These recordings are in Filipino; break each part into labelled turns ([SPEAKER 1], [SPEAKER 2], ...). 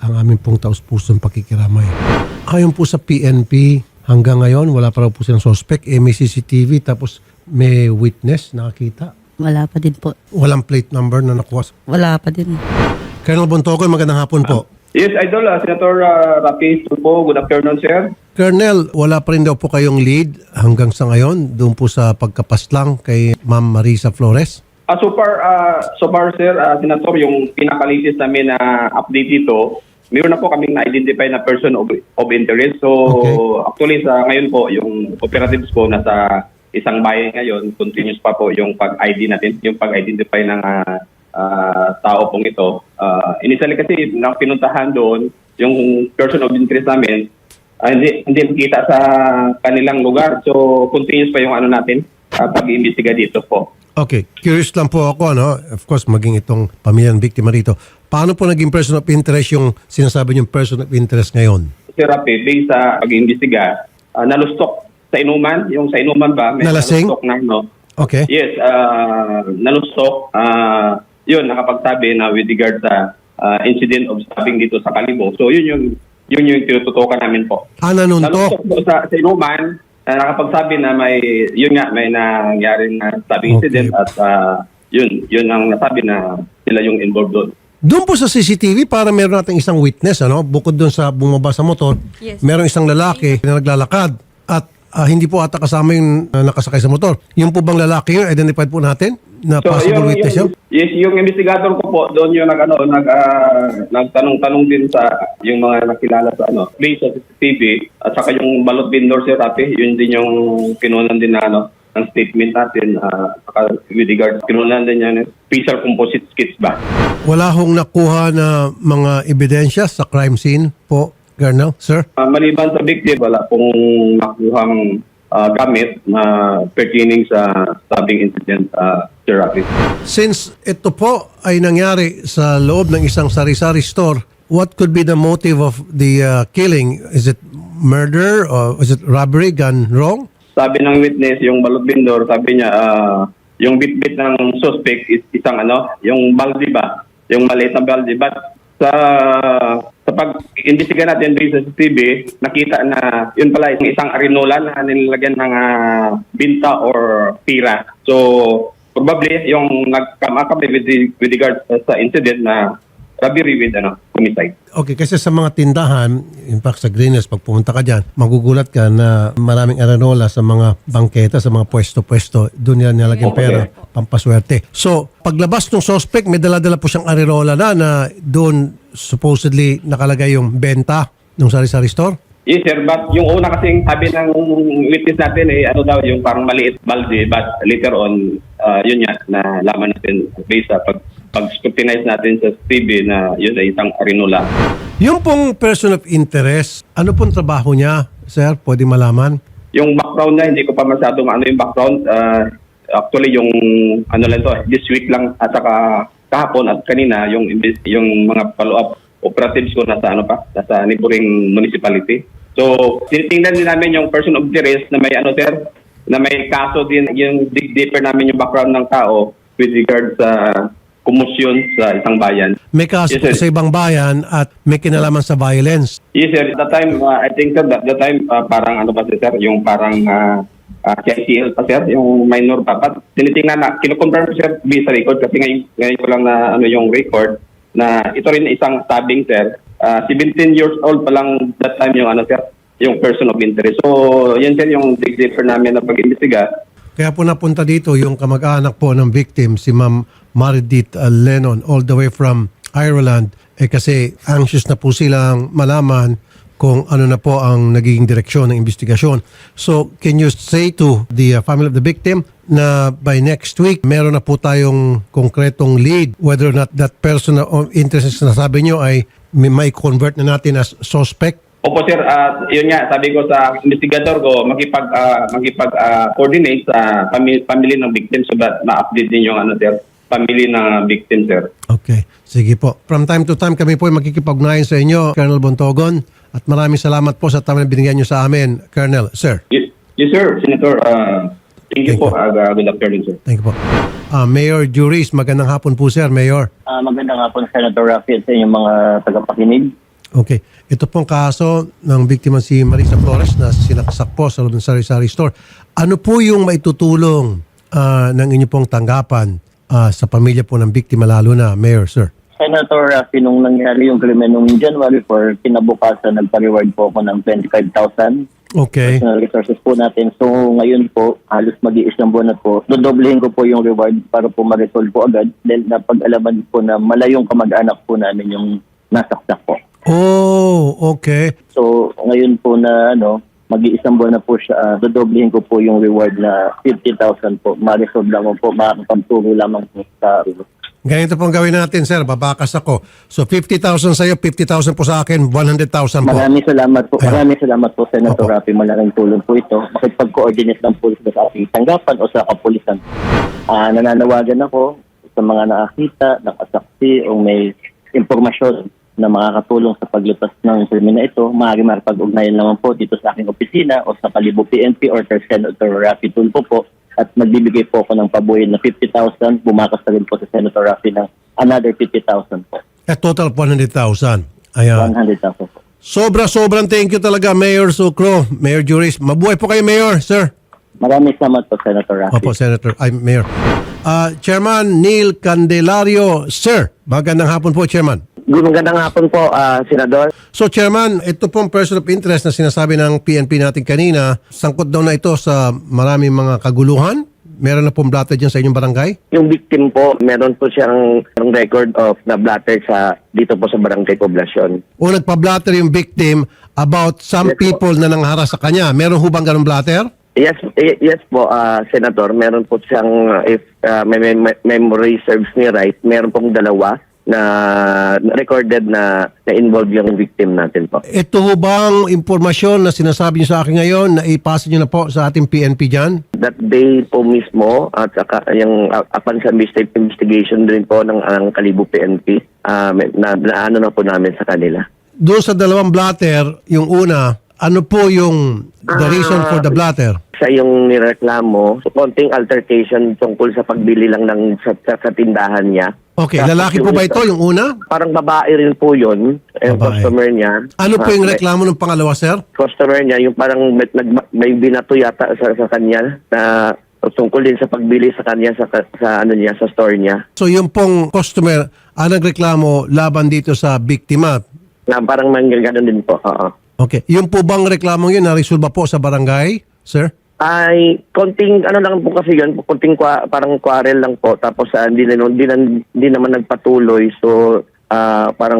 [SPEAKER 1] ang aming pong taus-pusong pakikiramay. Ayon po sa PNP, hanggang ngayon, wala pa raw po silang suspect. May CCTV, tapos may witness nakakita.
[SPEAKER 2] Wala pa din po.
[SPEAKER 1] Walang plate number na nakuha.
[SPEAKER 2] Wala pa din.
[SPEAKER 1] Colonel Bontogon, magandang hapon po.
[SPEAKER 3] Yes, Idol. Senator Rafi po. Good afternoon, sir.
[SPEAKER 1] Colonel, wala pa rin daw po kayong lead hanggang sa ngayon doon po sa pagkapaslang kay Ma'am Marisa Flores?
[SPEAKER 3] So far, sir, Senator, yung pinaka-latest namin na update dito, meron na po kaming na-identify na person of interest. So, Actually, sa ngayon po, yung operatives po nasa isang bayan ngayon, continuous pa po yung pag-ID natin, yung pag-identify ng tao pong ito. Initially kasi, nang pinuntahan doon, yung person of interest namin, hindi makita sa kanilang lugar. So, continuous pa yung natin, pag-iimbestiga dito po.
[SPEAKER 1] Okay. Curious lang po ako, no? Of course, maging itong pamilyang biktima rito. Paano po naging person of interest yung sinasabi niyong person of interest ngayon?
[SPEAKER 3] Sir Rafi, based sa pag-iimbestiga, nalustok sa inuman. Yung sa inuman ba? May
[SPEAKER 1] Nalasing?
[SPEAKER 3] nalustok na, no?
[SPEAKER 1] Okay.
[SPEAKER 3] Yes, nalustok. Yun, nakapagsabi na with regard sa incident of stabbing dito sa Kalibo. So, yun yung tinututukan namin po.
[SPEAKER 1] Nanuntok?
[SPEAKER 3] Nalustok po sa inuman, nakapagsabi na may nangyari na stabbing incident at yun ang nasabi na sila yung involved doon.
[SPEAKER 1] Doon po sa CCTV, para meron natin isang witness, ano? Bukod doon sa bumaba sa motor, merong isang lalaki na naglalakad at hindi po ata kasama yung nakasakay sa motor. Yung po bang lalaki yun, identified po natin na possible witness yun?
[SPEAKER 3] Yes, yung investigator ko po, doon yung nagtanong-tanong din sa yung mga nakilala sa place sa CCTV at saka yung balot vendor, Sir Rafi, yun din yung kinunan din na ng statement natin with regard kinunan din yan facial composite skits ba.
[SPEAKER 1] Wala hong nakuha na mga ebidensya sa crime scene po, Colonel, sir?
[SPEAKER 3] Maliban sa victim, wala pong nakuhang gamit na pertaining sa stabbing incident, Sir Rafi.
[SPEAKER 1] Since ito po ay nangyari sa loob ng isang sari-sari store, what could be the motive of the killing? Is it murder or is it robbery gone wrong?
[SPEAKER 3] Sabi ng witness, yung balot vendor, sabi niya, yung bit-bit ng suspect is isang yung baldi ba? Yung maliit na baldi. But sa pag-imbestiga natin rin sa CCTV, nakita na yun pala yung isang arinola na nilagyan ng binta or tira. So, probably yung nag-come up with regard sa incident na robbery with homicide.
[SPEAKER 1] Okay, kasi sa mga tindahan, in fact sa Greeners, pag pumunta ka dyan, magugulat ka na maraming arenola sa mga bangketa, sa mga pwesto-pwesto, doon nila nilalagyan pera, pampaswerte. So, paglabas ng suspect, may dala-dala po siyang arenola na doon supposedly nakalagay yung benta ng sari-sari store?
[SPEAKER 3] Yes, sir. But yung una kasing sabi ng witness natin daw yung parang maliit balde. But later on, yun nga, na laman natin based sa pag-scrutinize natin sa TV na yun ay isang arinola.
[SPEAKER 1] Yung pong person of interest, ano pong trabaho niya, sir? Pwede malaman?
[SPEAKER 3] Yung background niya, hindi ko pa masyadong yung background. Actually, yung lang to, this week lang at saka kahapon at kanina, yung mga follow-up operatives ko nasa neighboring municipality. So, tinitingnan din namin yung person of interest na may sir, na may kaso din, yung dig deeper namin yung background ng tao with regard sa kumusyon sa isang bayan.
[SPEAKER 1] May kaso
[SPEAKER 3] Yes,
[SPEAKER 1] sa ibang bayan at may kinalaman sa violence.
[SPEAKER 3] Yes, sir. At that time, I think, sir, that time, parang sir, yung parang CICL pa, sir, yung minor pa. But tinitingnan na, kinukonfirm, sir, based sa record, kasi ngayon ko lang na yung record, na ito rin isang stabbing, sir. 17 years old pa lang that time yung sir, yung person of interest. So, yan, sir, yung dig deeper namin na pag-imbestiga.
[SPEAKER 1] Kaya po napunta dito yung kamag-anak po ng victim, si Ma'am Maridit Lennon, all the way from Ireland. Kasi anxious na po silang malaman kung ano na po ang nagiging direksyon ng investigasyon. So, can you say to the family of the victim na by next week, meron na po tayong konkretong lead whether or not that person of interest na sabi nyo ay may convert na natin as suspect?
[SPEAKER 3] Opo, sir. Yun nga, sabi ko sa investigator ko, makipag-coordinate sa family ng victim so that ma-update din yung sir, family ng victim, sir.
[SPEAKER 1] Okay. Sige po. From time to time, kami po ay makikipag-ugnayan sa inyo, Colonel Bontogon. At maraming salamat po sa time na binigyan nyo sa amin, Colonel. Sir.
[SPEAKER 3] Yes, sir. Senator, thank you po. Good afternoon, sir.
[SPEAKER 1] Thank you po. Mayor Juris, magandang hapon po, sir. Mayor.
[SPEAKER 4] Magandang hapon, Senator Rafi, at sa inyong mga tagapakinig.
[SPEAKER 1] Okay. Ito pong kaso ng biktima si Marisa Flores na sinaksak po sa loob ng sari-sari store. Ano po yung maitutulong ng inyo pong tanggapan sa pamilya po ng biktima, lalo na, Mayor, sir?
[SPEAKER 4] Senator Rafi, nung nangyari yung krimen nung January 4, kinabukasan nagpa-reward po ako ng 25,000
[SPEAKER 1] Okay.
[SPEAKER 4] personal resources po natin. So ngayon po, halos mag-iisang buwan na po, dodoblehin ko po yung reward para po ma-resolve po agad. Then napag-alaman po na malayong kamag-anak po namin yung nasaksak po.
[SPEAKER 1] Oh, okay.
[SPEAKER 4] So ngayon po na mag-iisang buwan na po siya, dodoblehin ko po yung reward na 50,000 po. Ma-resolve lamang po, makakapagturo lamang po sa
[SPEAKER 1] Ganito pong gawin natin, sir. Babakas ako. So, 50,000 sa'yo, 50,000 po sa akin, 100,000 po.
[SPEAKER 4] Maraming salamat po.
[SPEAKER 1] Ayun.
[SPEAKER 4] Maraming salamat po, Senator
[SPEAKER 1] Opo.
[SPEAKER 4] Rafi. Malaking tulong po ito. Makipag-coordinate ng pulis sa ating tanggapan o sa kapulisan. Nananawagan ako sa mga nakakita, nakasaksi o may impormasyon na makakatulong sa paglutas ng krimen na ito. Maaari makipag-ugnayan naman po dito sa aking opisina o sa Kalibo PNP or kay Senator Rafi Tulfo po. At magbibigay po ako ng pabuhay na 50,000. Bumakas na rin po sa Senator Rafi ng another 50,000 po.
[SPEAKER 1] At total 100,000. Ayan.
[SPEAKER 4] 100,000 po.
[SPEAKER 1] Sobrang thank you talaga, Mayor Sucro, Mayor Juris. Mabuhay po kayo, Mayor, sir.
[SPEAKER 4] Maraming salamat po, Senator Rafi.
[SPEAKER 1] Opo, Senator. Ay, Mayor. Chairman Neil Candelario, sir. Magandang hapon po, Chairman.
[SPEAKER 5] Magandang hapon po, Senador.
[SPEAKER 1] So, Chairman, ito pong person of interest na sinasabi ng PNP natin kanina, sangkot daw na ito sa maraming mga kaguluhan. Meron na pong blatter dyan sa inyong barangay?
[SPEAKER 5] Yung victim po, meron po siyang record of na blatter dito po sa Barangay Poblacion.
[SPEAKER 1] O nagpa-blatter yung victim about some
[SPEAKER 5] Yes, po.
[SPEAKER 1] people na nangharas sa kanya. Meron hubang ganong blatter?
[SPEAKER 5] Yes po, Senator. Meron po siyang, if may memory serves me right, meron pong dalawa na recorded na involved yung victim natin po.
[SPEAKER 1] Ito hubang impormasyon na sinasabi niyo sa akin ngayon na ipasa niyo na po sa ating PNP dyan?
[SPEAKER 5] That day po mismo, at saka yung upon sa investigation din po ng Kalibo PNP, na po namin sa kanila.
[SPEAKER 1] Doon sa dalawang blatter, yung una, ano po yung the reason for the blatter?
[SPEAKER 5] Sa yung nireklamo, konting altercation tungkol sa pagbili lang ng sa tindahan niya.
[SPEAKER 1] Okay,
[SPEAKER 5] Tapos
[SPEAKER 1] lalaki po
[SPEAKER 5] yung
[SPEAKER 1] ba
[SPEAKER 5] isa-
[SPEAKER 1] ito, yung una?
[SPEAKER 5] Parang babae rin po yun, yung
[SPEAKER 1] Babae.
[SPEAKER 5] customer niya.
[SPEAKER 1] Ano po yung
[SPEAKER 5] May
[SPEAKER 1] reklamo ng pangalawa, sir?
[SPEAKER 5] customer niya, yung parang may binato yata sa kanya na tungkol din sa pagbili sa kanya sa store niya.
[SPEAKER 1] So yung pong customer ang nagreklamo laban dito sa biktima.
[SPEAKER 5] Na parang manggaganon din po. Oo.
[SPEAKER 1] Okay, yung po bang reklamo yun na-resolve po sa barangay, sir?
[SPEAKER 5] Ay, konting lang po kasi yun, konting parang quarrel lang po, tapos hindi naman nagpatuloy, so parang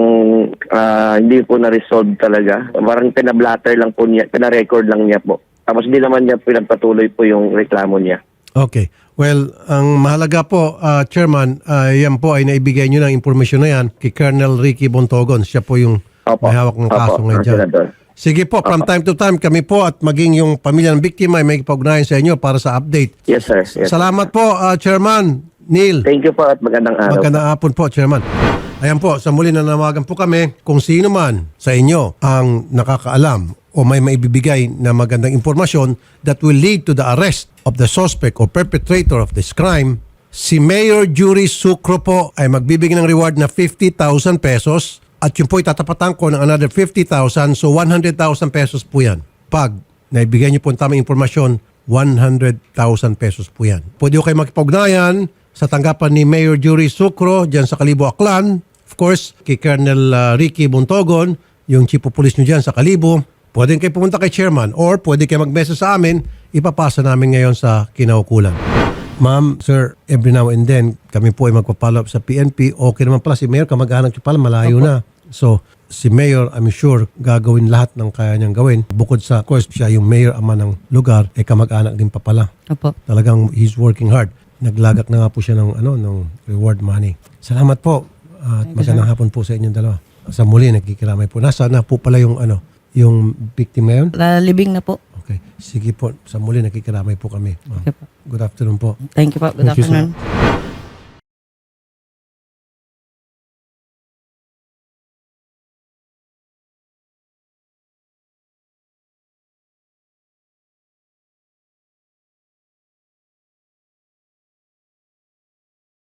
[SPEAKER 5] hindi po na-resolve talaga. Parang pinablatter lang po niya, pina-record lang niya po. Tapos hindi naman niya pinagpatuloy po yung reklamo niya.
[SPEAKER 1] Okay. Well, ang mahalaga po, Chairman, yan po ay naibigay nyo ng impormasyon na yan kay Colonel Ricky Bontogon. Siya po yung
[SPEAKER 5] Opo.
[SPEAKER 1] may hawak ng kaso
[SPEAKER 5] Opo,
[SPEAKER 1] ngayon dyan.
[SPEAKER 5] Senador.
[SPEAKER 1] Sige po, from time to time, kami po at maging yung pamilya ng biktima ay may ipag-ugnayan sa inyo para sa update.
[SPEAKER 5] Yes, sir. Yes.
[SPEAKER 1] Salamat po, Chairman Neil.
[SPEAKER 5] Thank you po at magandang araw.
[SPEAKER 1] Magandang hapon po, Chairman. Ayan po, sa muli nanawagan po kami kung sino man sa inyo ang nakakaalam o may maibibigay na magandang impormasyon that will lead to the arrest of the suspect or perpetrator of this crime, si Mayor Juris Sucro po ay magbibigay ng reward na 50,000 pesos at yun po itatapatan ko ng another 50,000, so 100,000 pesos po yan. Pag naibigay niyo po ang tamang impormasyon, 100,000 pesos po yan. Pwede ko kayo makipag-ugnayan sa tanggapan ni Mayor Juris Sucro dyan sa Kalibo, Aklan. Of course, kay Colonel Ricky Bontogon, yung chief of police nyo dyan sa Kalibo. Pwede kayo pumunta kay chairman or pwede kayo mag-message sa amin. Ipapasa namin ngayon sa kinaukulan. Ma'am, sir, every now and then, kami po ay magpa-follow up sa PNP. Okay naman pala si Mayor, kamag-anak siya pala, malayo na. So, si Mayor, I'm sure, gagawin lahat ng kaya niyang gawin. Bukod sa, of course, siya yung Mayor, ama ng lugar, ay kamag-anak din pa pala.
[SPEAKER 2] Opo.
[SPEAKER 1] Talagang he's working hard. Naglagak na nga po siya ng reward money. Salamat po. At magandang hapon po sa inyong dalawa. Sa muli, nagkikiramay po. Nasa na po pala yung yung victim ngayon?
[SPEAKER 2] Lalibing na po.
[SPEAKER 1] Okay. Sige po. Sa muli, nagkikiramay po kami.
[SPEAKER 2] Okay po.
[SPEAKER 1] Good afternoon po.
[SPEAKER 2] Thank you po. Good
[SPEAKER 1] Thank you, sir.
[SPEAKER 2] afternoon.